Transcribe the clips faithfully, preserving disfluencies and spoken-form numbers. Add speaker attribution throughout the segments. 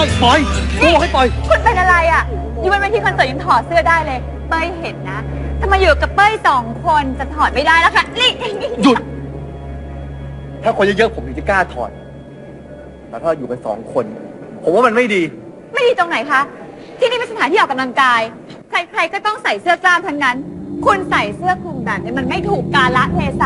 Speaker 1: ปล่อยกูบอกให้ปล่อย
Speaker 2: คุณเป็นอะไรอ่ะอยู่บนเวทีคอนเสิร์ตยังถอดเสื้อได้เลยเป้ยเห็นนะถ้ามาอยู่กับเป้ยสองคนจะถอดไม่ได้แล้วค่ะนี่
Speaker 1: หยุดถ้าคนเยอะๆผมถึงจะกล้าถอดแต่ถ้าอยู่กันสองคนผมว่ามันไม่ดี
Speaker 2: ไม่ดีตรงไหนคะที่นี่เป็นสถานที่ออกกำลังกายใครๆก็ต้องใส่เสื้อกล้ามทั้งนั้นคุณใส่เสื้อคลุมแบบนี้มันไม่ถูกกาลเทศะ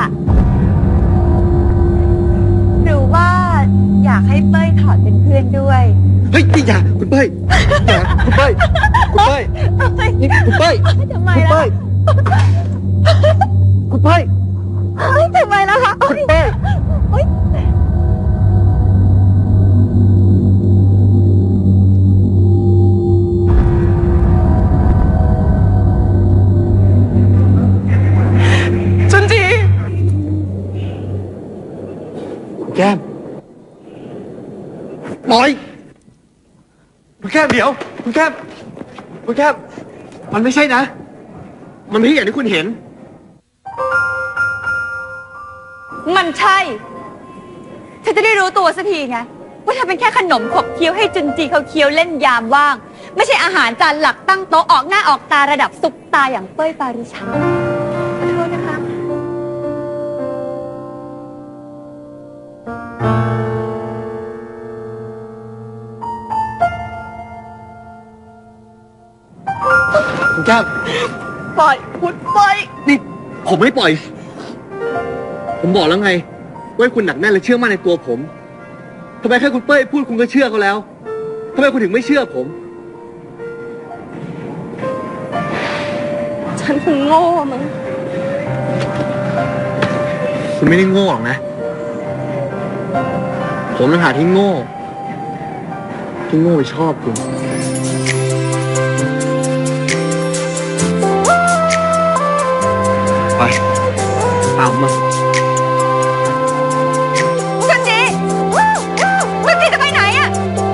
Speaker 2: หรือว่าอยากให้เป้ยถอดเป็นเพื่อนด้วย
Speaker 1: เฮ้ยอย่าคุณเป้ยอย่าคุณเป้ยคุณเป้ยนี่คุณเป้ย
Speaker 2: ทำไมล่ะ
Speaker 1: คุณเป้ย
Speaker 2: ทำไมล่ะคะ
Speaker 1: คุณเป้ย
Speaker 2: จุนจี
Speaker 1: คุณแก้มปล่อยคุณแก้มเดี๋ยวคุณแก้มคุณแก้มมันไม่ใช่นะมันไม่ใช่อย่างที่คุณเห็น
Speaker 2: มันใช่ฉันจะได้รู้ตัวสักทีไงว่าเธอเป็นแค่ขนมขบเคี้ยวให้จุนจีเขาเคี้ยวเล่นยามว่างไม่ใช่อาหารจานหลักตั้งโต๊ะออกหน้าออกตาระดับซุปตาอย่างเป้ยปาริชาขอโทษนะคะ
Speaker 1: คุณแก้ม
Speaker 2: ปล่อยคุณปล่อย
Speaker 1: นี่ผมไม่ปล่อยผมบอกแล้วไงว่าคุณหนักแน่นและเชื่อมั่นในตัวผมทำไมแค่คุณเป้ยพูดคุณก็เชื่อเขาแล้วทำไมคุณถึงไม่เชื่อผม
Speaker 2: ฉันคงโง่มั้ง
Speaker 1: คุณไม่ได้โง่หรอกนะผมต่างหากที่โง่ที่โง่ไปชอบคุณไปตามมา
Speaker 2: จุนจีจุนจีจะไปไหนอะ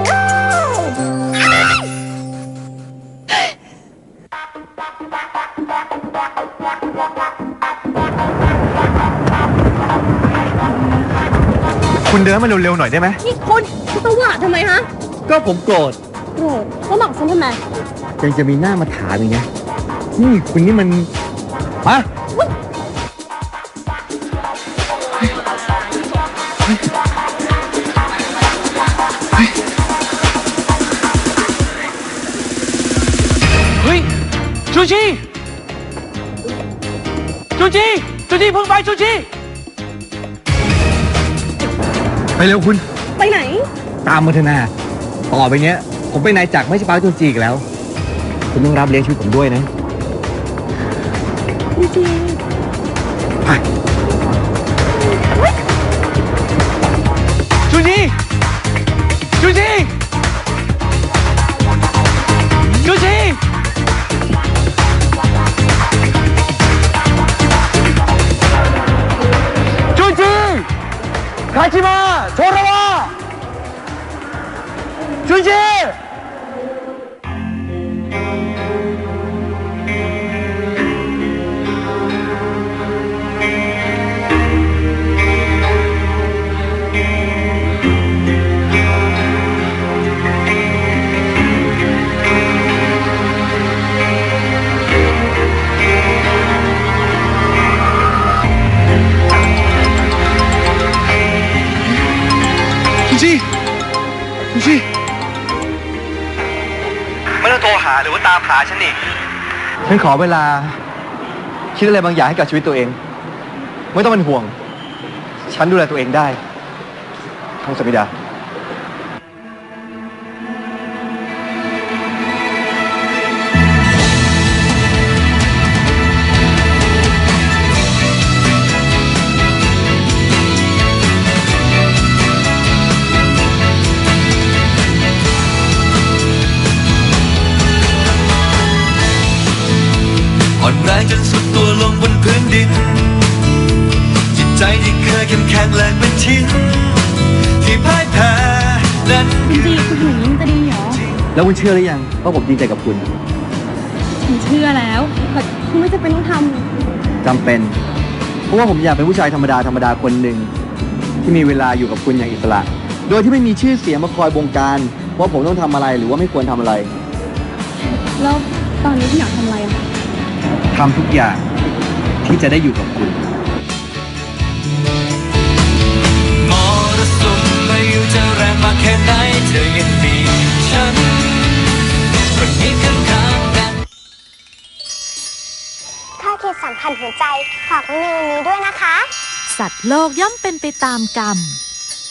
Speaker 1: คุณเดินมาเร็วๆหน่อยได้ไหม
Speaker 2: นี่คุณคุณตวาดทำไมฮะ
Speaker 1: ก็ผมโกรธ
Speaker 2: โกรธแล้วบอกฉันทำไม
Speaker 1: ยังจะมีหน้ามาถามอีกนะนี่คุณนี่มันมา
Speaker 3: เฮ้ยจูจีจูจีจูจีเพิ่งไปจูจี
Speaker 1: ไปเร็วคุณ
Speaker 2: ไปไหน
Speaker 1: ตามมาเถอะนาต่อไปเนี้ยผมเป็นนายจักรไม่ใช่ป้าจูจีอีกแล้วคุณต้องรับเลี้ยงชีวิตผมด้วยนะ
Speaker 2: จูจี
Speaker 1: ไป
Speaker 3: จูจีจูจีจูจีจูจีคาชิมะโชระวะจูจี
Speaker 1: ไม่ต้องโทรหาหรือว่าตามหาฉันอีกฉันขอเวลาคิดอะไรบางอย่างให้กับชีวิตตัวเองไม่ต้องเป็นห่วงฉันดูแลตัวเองได้ทองสมิดา
Speaker 4: อ่อนแรงจนสุดตัวลงบนพื้นดินจิตใจที่เคยเข้มแข็งแรงเป็นชิ้นที่พ่ายแพ้นั้น
Speaker 2: จริงๆคุณถึงยิ่งจะดีเหรอ
Speaker 1: แล้วคุณเชื่อหรือยังว่าผมจริงใจกับคุณ
Speaker 2: ฉันเชื่อแล้วแต่คุณไม่จำเป็นต้องทำ
Speaker 1: จำเป็นเพราะว่าผมอยากเป็นผู้ชายธรรมดาธรรมดาคนหนึ่งที่มีเวลาอยู่กับคุณอย่างอิสระโดยที่ไม่มีชื่อเสียงมาคอยบงการว่าผมต้องทำอะไรหรือว่าไม่ควรทำอะไร
Speaker 2: แล้วตอนนี้พี่อยากทำอะไรอะ
Speaker 1: ทำทุกอย่างที่จะได้อยู่กับคุณ
Speaker 4: มรสุมไม่อยู่จะแรงมากแค่ไหนเธอยังมีฉันคนนี้ข้างๆกัน
Speaker 5: ข้อคิดสำคัญหัวใจฝากไว้ในวันนี้ด้วยนะคะ
Speaker 6: สัตว์โลกย่อมเป็นไปตามกรรม